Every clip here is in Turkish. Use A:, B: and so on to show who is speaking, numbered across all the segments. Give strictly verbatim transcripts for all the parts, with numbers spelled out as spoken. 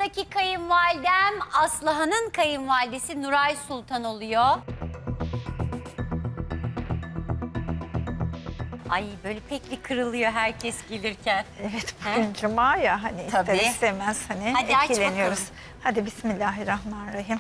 A: sıradaki kayınvalidem Aslıhan'ın kayınvalidesi Nuray Sultan oluyor. Ay böyle pek bir kırılıyor herkes gelirken.
B: Evet, bugün cuma ya hani
A: Tabii.
B: ister istemez hani
A: Hadi aç
B: etkileniyoruz.
A: bakalım.
B: Hadi bismillahirrahmanirrahim.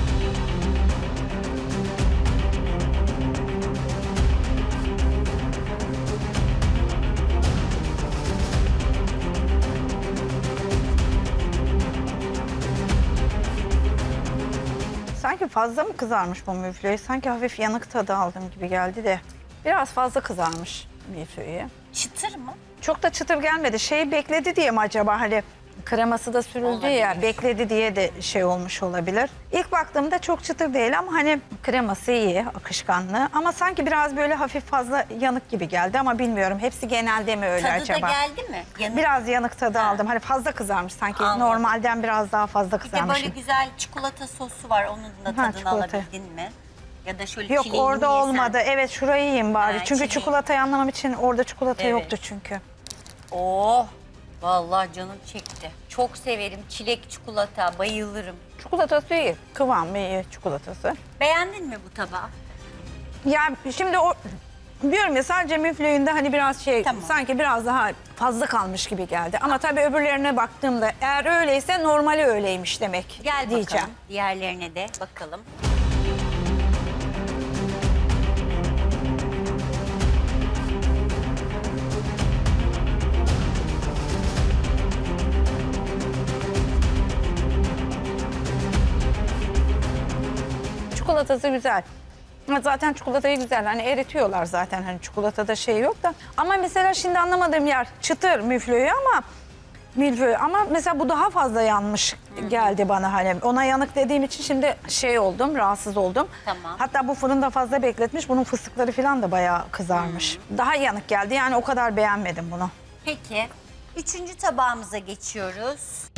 B: Sanki fazla mı kızarmış bu müflüğü? Sanki hafif yanık tadı aldım gibi geldi de. Biraz fazla kızarmış müflüğü.
A: Çıtır mı?
B: Çok da çıtır gelmedi. Şey bekledi diye mi acaba hani kreması da sürüldü ya
A: Olabilir.
B: bekledi diye de şey olmuş olabilir. İlk baktığımda çok çıtır değil ama hani kreması iyi, akışkanlı ama sanki biraz böyle hafif fazla yanık gibi geldi ama bilmiyorum. Hepsi genelde mi öyle
A: Tadı
B: acaba?
A: da geldi mi? Yanık.
B: Biraz yanık tadı
A: Ha.
B: aldım. Hani fazla kızarmış sanki.
A: Anladım.
B: Normalden biraz daha fazla
A: Bir de
B: kızarmış.
A: böyle güzel çikolata sosu var. Onun da
B: Ha,
A: tadını
B: çikolata.
A: alabildin mi? Ya da şöyle
B: Yok
A: çileğini
B: orada
A: yesen.
B: olmadı. Evet şurayı yiyeyim bari.
A: Ha,
B: çünkü
A: çileği.
B: çikolatayı anlamam için orada çikolata
A: Evet.
B: yoktu çünkü.
A: Oh! Vallahi canım çekti. Çok severim çilek çikolata. Bayılırım.
B: Çikolatası iyi. Kıvamı iyi çikolatası.
A: Beğendin mi bu tabağı?
B: Ya şimdi o diyorum ya sadece müflüğünde hani biraz şey
A: Tamam.
B: sanki biraz daha fazla kalmış gibi geldi. Ama tabii öbürlerine baktığımda eğer öyleyse normali öyleymiş demek
A: Gel
B: diyeceğim.
A: bakalım. Diğerlerine de bakalım.
B: Çikolatası güzel. Ama zaten çikolatayı güzel hani eritiyorlar zaten hani çikolatada şey yok da. Ama mesela şimdi anlamadığım yer çıtır müflüğü ama milföy ama mesela bu daha fazla yanmış geldi bana hani. Ona yanık dediğim için şimdi şey oldum, rahatsız oldum.
A: Tamam.
B: Hatta bu fırında fazla bekletmiş. Bunun fıstıkları falan da bayağı kızarmış. Daha yanık geldi. Yani o kadar beğenmedim bunu.
A: Peki. Üçüncü tabağımıza geçiyoruz.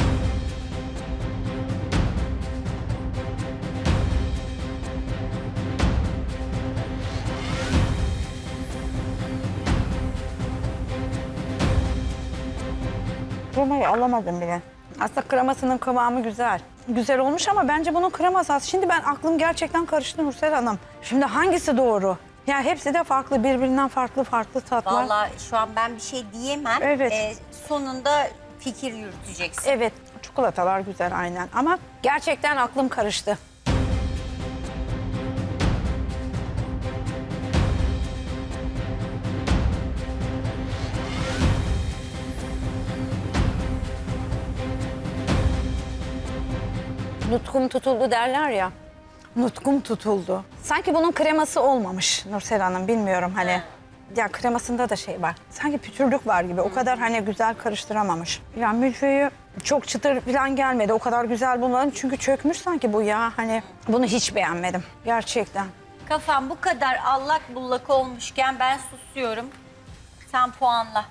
B: Kremayı alamadım bile. Aslında kremasının kıvamı güzel. Güzel olmuş ama bence bunun kreması az. Şimdi ben aklım gerçekten karıştı Nursel Hanım. Şimdi hangisi doğru? Ya hepsi de farklı, birbirinden farklı farklı tatlar.
A: Vallahi şu an ben bir şey diyemem.
B: Evet.
A: Ee, sonunda fikir yürüteceksin.
B: Evet, çikolatalar güzel aynen ama gerçekten aklım karıştı. Nutkum tutuldu derler ya. Nutkum tutuldu. Sanki bunun kreması olmamış Nursel Hanım bilmiyorum hani. Ya kremasında da şey var. Sanki pütürlük var gibi. O kadar hani güzel karıştıramamış. Ya milföyü çok çıtır falan gelmedi. O kadar güzel bulmadım. Çünkü çökmüş sanki bu ya. Hani bunu hiç beğenmedim. Gerçekten.
A: Kafam bu kadar allak bullak olmuşken ben susuyorum. Sen puanla.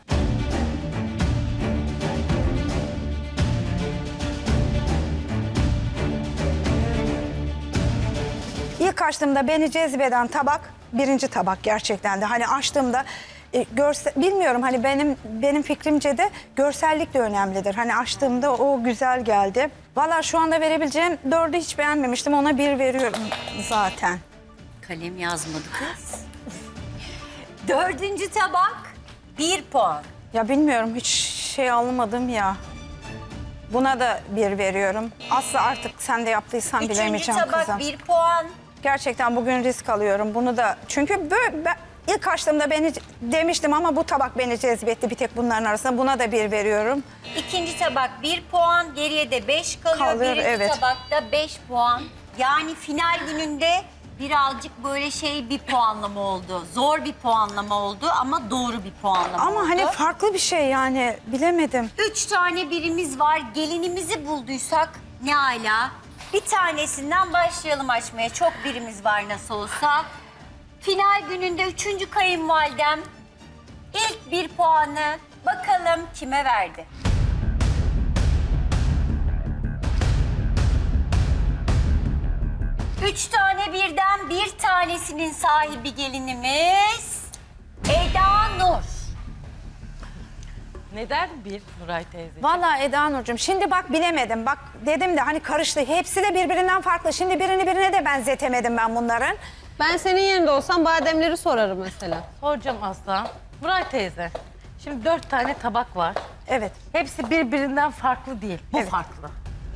B: İlk açtığımda beni cezbeden tabak birinci tabak gerçekten de. Hani açtığımda e, görse, bilmiyorum hani benim benim fikrimce de görsellik de önemlidir. Hani açtığımda o güzel geldi. Vallahi şu anda verebileceğim dördü hiç beğenmemiştim. Ona bir veriyorum zaten.
A: Kalem yazmadı kız. Dördüncü tabak bir puan.
B: Ya bilmiyorum hiç şey almadım ya. Buna da bir veriyorum. Asla artık sen de yaptıysan
A: Üçüncü
B: bilemeyeceğim
A: tabak
B: kızım.
A: bir puan.
B: Gerçekten bugün risk alıyorum bunu da. Çünkü böyle ben ilk açtığımda beni demiştim ama bu tabak beni cezbetti bir tek bunların arasında. Buna da bir veriyorum.
A: İkinci tabak bir puan. Geriye de beş kalıyor.
B: Kalıyor,
A: Birinci
B: evet.
A: tabakta beş puan. Yani final gününde birazcık böyle şey bir puanlama oldu. Zor bir puanlama oldu ama doğru bir puanlama
B: Ama
A: oldu.
B: hani farklı bir şey yani bilemedim.
A: Üç tane birimiz var. Gelinimizi bulduysak ne ala. Bir tanesinden başlayalım açmaya. Çok birimiz var nasıl olsa. Final gününde üçüncü kayınvalidem ilk bir puanı bakalım kime verdi? Üç tane birden bir tanesinin sahibi gelinimiz Eda Nur.
C: Neden bir Nuray teyze?
B: Vallahi Eda Nurcuğum şimdi bak bilemedim. Bak dedim de hani karıştı. Hepsi de birbirinden farklı. Şimdi birini birine de benzetemedim ben bunların.
D: Ben senin yerinde olsam bademleri sorarım mesela.
C: Soracağım Aslan. Nuray teyze, şimdi dört tane tabak var.
B: Evet.
C: Hepsi birbirinden farklı değil. Bu
B: Evet.
C: farklı.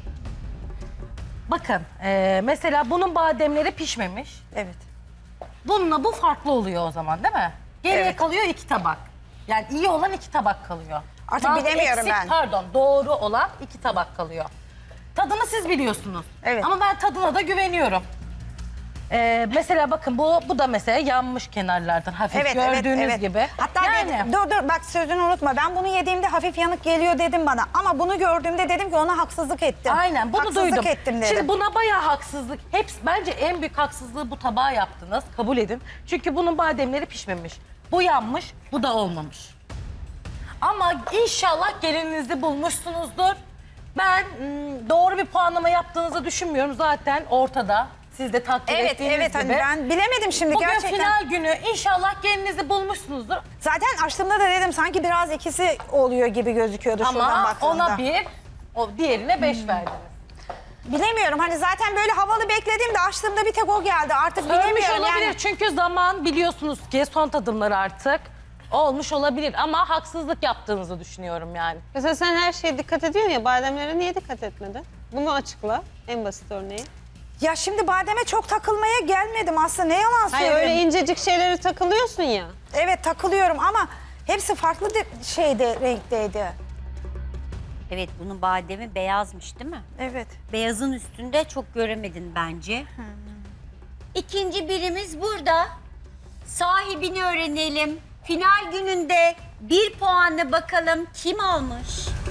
C: Bakın, e, mesela bunun bademleri pişmemiş.
B: Evet.
C: Bununla bu farklı oluyor o zaman değil mi? Geriye
B: Evet.
C: kalıyor iki tabak. Yani iyi olan iki tabak kalıyor.
B: Artık
C: Bazı
B: bilemiyorum
C: eksik,
B: ben.
C: Pardon, doğru olan iki tabak kalıyor. Tadını siz biliyorsunuz.
B: Evet.
C: Ama ben tadına da güveniyorum. Ee, mesela bakın bu bu da mesela yanmış kenarlardan hafif
B: Evet,
C: gördüğünüz
B: evet, evet.
C: gibi.
B: Hatta
C: yani
B: dedim- dur dur bak sözünü unutma. Ben bunu yediğimde hafif yanık geliyor dedim bana. Ama bunu gördüğümde dedim ki ona haksızlık ettim.
C: aynen bunu
B: haksızlık
C: duydum.
B: ettim dedim.
C: Şimdi buna bayağı haksızlık. Hepsi bence en büyük haksızlığı bu tabağa yaptınız. Kabul edin. Çünkü bunun bademleri pişmemiş. Bu yanmış, bu da olmamış. Ama inşallah gelininizi bulmuşsunuzdur. Ben ım, doğru bir puanlama yaptığınızı düşünmüyorum. Zaten ortada. Siz de takdir
B: Evet
C: ettiğiniz
B: evet
C: gibi.
B: hani ben bilemedim şimdi
C: Bugün
B: gerçekten.
C: final günü inşallah gelinizi bulmuşsunuzdur.
B: Zaten açtığımda da dedim sanki biraz ikisi oluyor gibi gözüküyordu şuradan
C: Ama
B: baktığımda.
C: ona bir, o diğerine beş verdiniz.
B: Bilemiyorum hani zaten böyle havalı beklediğimde açtığımda bir tek o geldi. Artık
C: Ölmüş
B: bilemiyorum
C: olabilir
B: yani.
C: çünkü zaman biliyorsunuz ki son tadımları artık olmuş olabilir ama haksızlık yaptığınızı düşünüyorum yani.
D: Mesela sen her şeye dikkat ediyorsun ya, bademlere niye dikkat etmedin? Bunu açıkla, en basit örneği.
B: Ya şimdi bademe çok takılmaya gelmedim aslında ne yalan
D: Hayır
B: söyleyeyim.
D: öyle incecik şeylere takılıyorsun ya.
B: Evet takılıyorum ama hepsi farklı de- şeyde renkteydi.
A: Evet, bunun bademi beyazmış değil mi?
B: Evet.
A: Beyazın üstünde çok göremedin bence. İkinci birimiz burada. Sahibini öğrenelim. Final gününde bir puanla bakalım kim almış?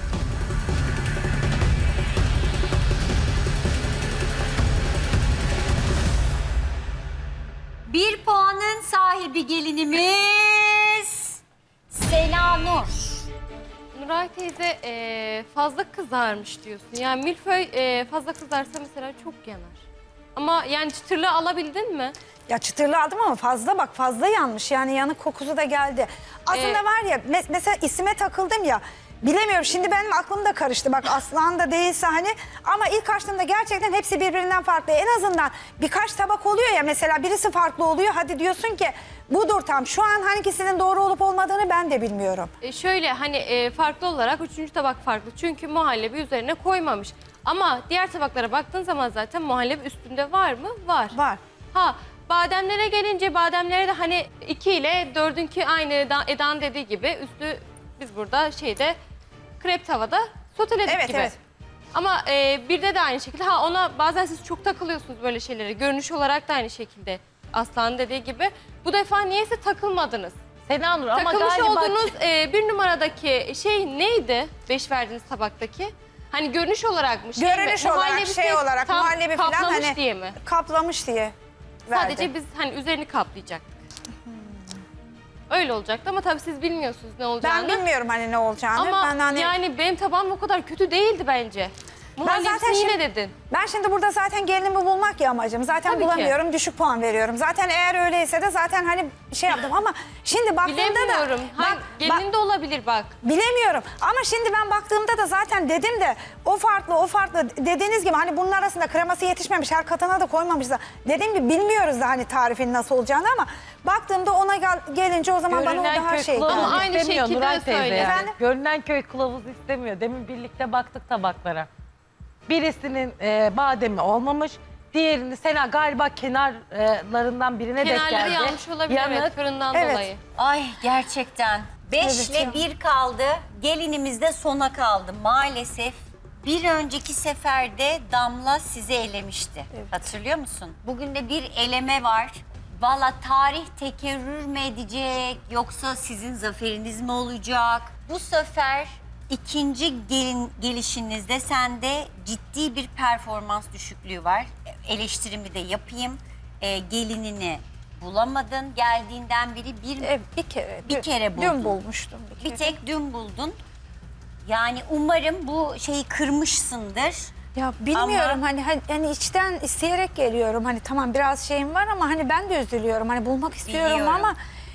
A: Bir puanın sahibi gelinimiz Sena Nur.
E: Nuray teyze e, fazla kızarmış diyorsun. Yani milföy e, fazla kızarsa mesela çok yanar. Ama yani çıtırlığı alabildin mi?
B: Ya çıtırlı aldım ama fazla bak fazla yanmış yani yanık kokusu da geldi. Aslında
E: Ee,
B: var ya mes- mesela isime takıldım ya bilemiyorum şimdi benim aklım da karıştı bak Aslan da değilse hani ama ilk açtığımda gerçekten hepsi birbirinden farklı. En azından birkaç tabak oluyor ya mesela birisi farklı oluyor hadi diyorsun ki budur tam şu an hangisinin doğru olup olmadığını ben de bilmiyorum.
E: E, şöyle hani e, farklı olarak üçüncü tabak farklı. Çünkü muhallebi üzerine koymamış. Ama diğer tabaklara baktığın zaman zaten muhallebi üstünde var mı? Var.
B: Var.
E: Ha bademlere gelince bademlere de hani iki ile dördünkü aynı Eda- Eda'nın dediği gibi üstü biz burada şeyde krep tavada soteledik
B: Evet,
E: gibi.
B: evet.
E: Ama e, birde de aynı şekilde. Ha ona bazen siz çok takılıyorsunuz böyle şeylere. Görünüş olarak da aynı şekilde. Aslan'ın dediği gibi. Bu defa niyeyse takılmadınız.
C: Sena Nur ama
E: Takılmış
C: galiba
E: olduğunuz e, bir numaradaki şey neydi? Beş verdiğiniz tabaktaki. Hani görünüş olarak mı? Şey
B: Görünüş
E: mi?
B: olarak
E: Muhallebisi
B: şey olarak
E: tam
B: muhallebi falan
E: kaplamış
B: hani
E: diye mi?
B: kaplamış diye verdi.
E: Sadece biz hani üzerini kaplayacaktık. Öyle olacaktı ama tabii siz bilmiyorsunuz ne olacağını.
B: Ben bilmiyorum hani ne olacağını.
E: Ama
B: ben hani...
E: yani benim tabağım o kadar kötü değildi bence. Muhallebisini
B: zaten
E: yine
B: şimdi-
E: dedin.
B: Ben şimdi burada zaten gelinimi bulmak ya amacım. Zaten
E: Tabii ki.
B: bulamıyorum, düşük puan veriyorum. Zaten eğer öyleyse de zaten hani şey yaptım ama şimdi baktığımda da...
E: Bilemiyorum. Hani
B: Bak,
E: gelinin
B: bak-
E: de olabilir bak.
B: bilemiyorum ama şimdi ben baktığımda da zaten dedim de o farklı o farklı dediğiniz gibi hani bunun arasında kreması yetişmemiş her katına da koymamışlar. Dediğim gibi bilmiyoruz da hani tarifin nasıl olacağını ama baktığımda ona gel- gelince o zaman bana o
C: görünen
B: daha
C: köy
B: şey
C: kılavuzu
B: geldi.
E: Ama aynı
C: istemiyor
E: şekilde
C: Nuray teyze
E: söyle.
C: yani.
B: Efendim?
C: Görünen köy kılavuzu istemiyor. Demin birlikte baktık tabaklara. Birisinin e, bademi olmamış. Diğerini Sena galiba kenarlarından birine denk geldi.
E: Kenarları yanmış olabilir evet
C: Yanık.
E: fırından
B: Evet.
E: dolayı.
A: Ay gerçekten. Beşle
B: Evet ya.
A: bir kaldı. Gelinimiz de sona kaldı. Maalesef bir önceki seferde Damla sizi elemişti. Hatırlıyor musun? Bugün de bir eleme var. Valla tarih tekerrür mü edecek yoksa sizin zaferiniz mi olacak? Bu sefer ikinci gelin gelişinizde sende ciddi bir performans düşüklüğü var. Eleştirimi de yapayım. Ee, gelinini bulamadın. Geldiğinden beri bir
B: E, bir kere.
A: Bir
B: dün-
A: kere buldum.
B: Dün bulmuştum bir kere.
A: bir tek dün buldun. Yani umarım bu şeyi kırmışsındır.
B: Ya bilmiyorum
A: Ama-
B: hani, hani hani içten isteyerek geliyorum. Hani tamam biraz şeyim var ama hani ben de üzülüyorum. Hani bulmak istiyorum
A: Biliyorum.
B: ama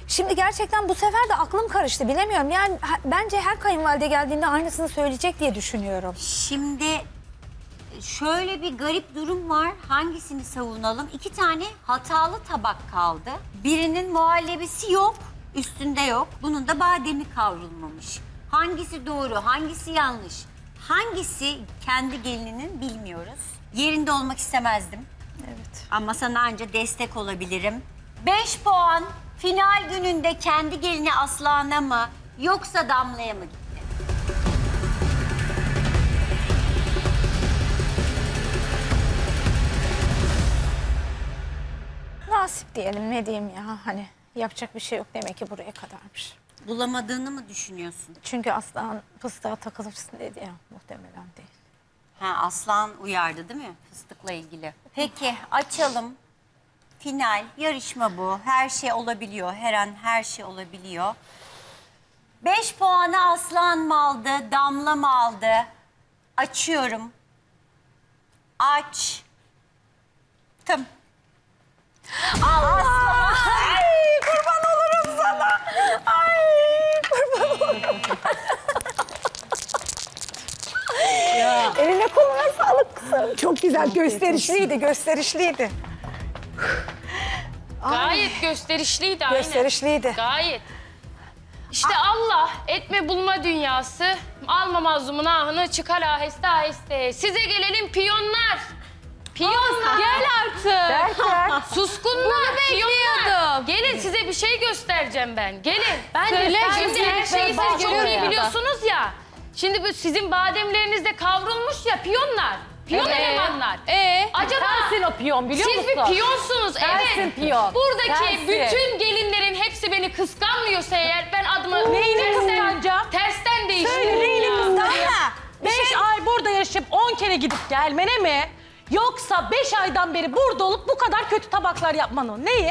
B: Şimdi gerçekten bu sefer de aklım karıştı. Bilemiyorum. Yani ha- bence her kayınvalide geldiğinde aynısını söyleyecek diye düşünüyorum.
A: Şimdi şöyle bir garip durum var. Hangisini savunalım? İki tane hatalı tabak kaldı. Birinin muhallebisi yok, üstünde yok. Bunun da bademi kavrulmamış. Hangisi doğru, hangisi yanlış? Hangisi kendi gelininin bilmiyoruz. Yerinde olmak istemezdim.
B: Evet.
A: Ama sana anca destek olabilirim. Beş puan final gününde kendi gelini Aslan'a mı yoksa Damla'ya mı gitti?
B: Nasip diyelim, ne diyeyim ya, hani yapacak bir şey yok, demek ki buraya kadarmış.
A: Bulamadığını mı düşünüyorsun?
B: Çünkü aslan fıstığa takılırsın dedi ya, muhtemelen değil.
A: Ha, Aslan uyardı değil mi fıstıkla ilgili? Peki açalım. Final, yarışma bu. Her şey olabiliyor. Her an her şey olabiliyor. Beş puanı Aslan mı aldı, Damla mı aldı? Açıyorum. Aç. Tım.
B: Allah! Ay, kurban olurum sana. Ay, kurban olurum. Eline koluna sağlık kızım. Çok güzel, gösterişliydi, gösterişliydi.
F: Gayet gösterişliydi aynen.
B: Gösterişliydi.
F: Gayet. İşte Allah etme bulma dünyası. Alma mazlumun ahını çıkar aheste aheste. Size gelelim piyonlar. Piyonlar. Gel artık. Suskunlar piyonlar. Gelin size bir şey göstereceğim ben. Gelin. Ben
E: Söyle,
F: Şimdi her
E: göster,
F: şeyi
E: bak,
F: siz çok
E: görüyorum
F: iyi
E: ya.
F: biliyorsunuz ya. Şimdi bu sizin bademleriniz de kavrulmuş ya piyonlar. Piyon
E: Evet.
F: elemanlar.
E: Ee?
F: Acaba
C: Sensin o piyon biliyor
F: siz
C: musun?
F: bir piyonsunuz,
C: Sensin
F: evet.
C: piyon.
F: Buradaki
C: Sensin.
F: bütün gelinlerin hepsi beni kıskanmıyorsa eğer ben adımı
C: Neyini
F: tersten,
C: kıskanacağım?
F: tersten değiştiririm
C: Söyle, neyini
F: ya.
C: kıskanacağım?
B: Damla,
C: Beş ay burada yaşayıp on kere gidip gelmene mi? Yoksa beş aydan beri burada olup bu kadar kötü tabaklar yapmanı. Neyi?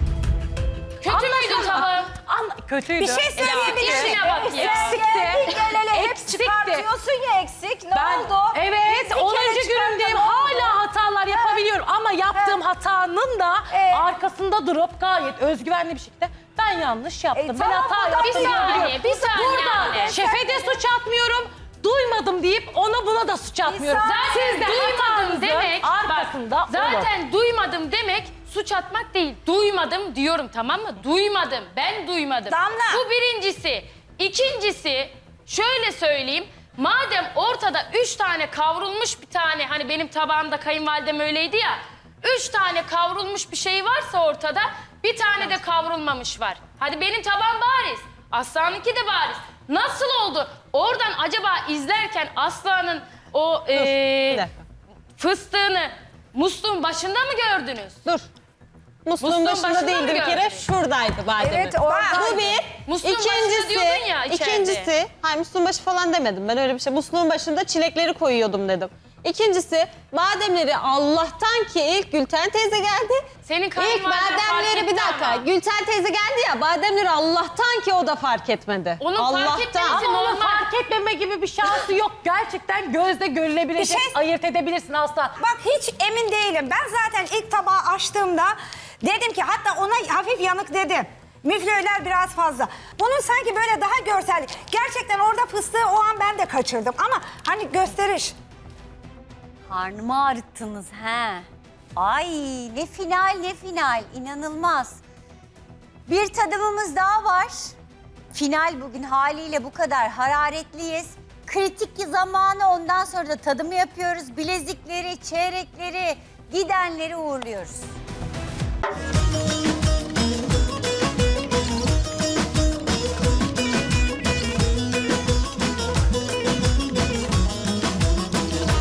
F: Kötü müydü tabağım?
C: Anla, kötüydü.
B: bir şey söyleyebilirim.
F: İşine bak ya.
C: Eksikti.
B: El ele hep
C: Eksikti.
B: çıkartıyorsun ya eksik. Ne
C: Ben,
B: oldu?
C: evet,
B: Bir
C: onuncu
B: kere
C: günümdeyim.
B: çıkarttın,
C: Hala hatalar yapabiliyorum. Ama yaptığım hatanın da
B: Ee?
C: arkasında durup gayet özgüvenli bir şekilde ben yanlış yaptım.
B: E,
C: ben
B: tamam,
C: hata
B: bu da
C: yaptım.
F: bir
C: diye
F: saniye,
C: biliyorum.
F: bir saniye
C: Burada
F: anne.
C: şefe de suç atmıyorum. Duymadım deyip ona buna da suç atmıyorum.
F: Zaten
C: Siz de
F: duymadım
C: hatanızın
F: demek,
C: arkasında
F: bak,
C: olun.
F: zaten duymadım demek suç atmak değil. Duymadım diyorum, tamam mı? Duymadım, ben duymadım.
B: Damla.
F: Bu birincisi. İkincisi, şöyle söyleyeyim. Madem ortada üç tane kavrulmuş bir tane, hani benim tabağımda kayınvalidem öyleydi ya. Üç tane kavrulmuş bir şey varsa ortada, bir tane de kavrulmamış var. Hadi benim tabağım bariz, Aslan'ınki de bariz. Nasıl oldu? Oradan acaba izlerken Aslan'ın o
D: Bir
F: eee,
D: dakika.
F: fıstığını musluğun başında mı gördünüz?
D: Dur. Musluğun
F: Musluğun
D: başında
F: başında
D: değildi
F: mı
D: bir kere.
F: gördün?
D: Şuradaydı bademi.
B: Evet, oradaydı.
D: Bu bir.
F: Musluğun başında
D: İkincisi,
F: diyordun ya içeride.
D: ikincisi, hayır musluğun başı falan demedim. Ben öyle bir şey. Musluğun başında çilekleri koyuyordum dedim. İkincisi, bademleri Allah'tan ki ilk Gülten teyze geldi.
F: Senin
D: İlk
F: kayınvaliden fark
D: bademleri bir
F: etti
D: dakika.
F: ama.
D: Gülten teyze geldi ya, bademleri Allah'tan ki o da fark etmedi.
F: Onun fark
D: Allah'tan.
F: etmesi
C: Ama onun
F: normal.
C: fark etmeme gibi bir şansı yok. Gerçekten gözle görülebilecek,
B: Bir şey-
C: ayırt edebilirsin asla.
B: Bak hiç emin değilim. Ben zaten ilk tabağı açtığımda dedim ki, hatta ona hafif yanık dedim. Müflörler biraz fazla. Bunun sanki böyle daha görsel. Gerçekten orada fıstığı o an ben de kaçırdım. Ama hani gösteriş.
A: Karnımı ağrıttınız he. Ay ne final ne final, inanılmaz. Bir tadımımız daha var. Final bugün haliyle bu kadar hararetliyiz. Kritik zamanı, ondan sonra da tadımı yapıyoruz. Bilezikleri, çeyrekleri, gidenleri uğurluyoruz.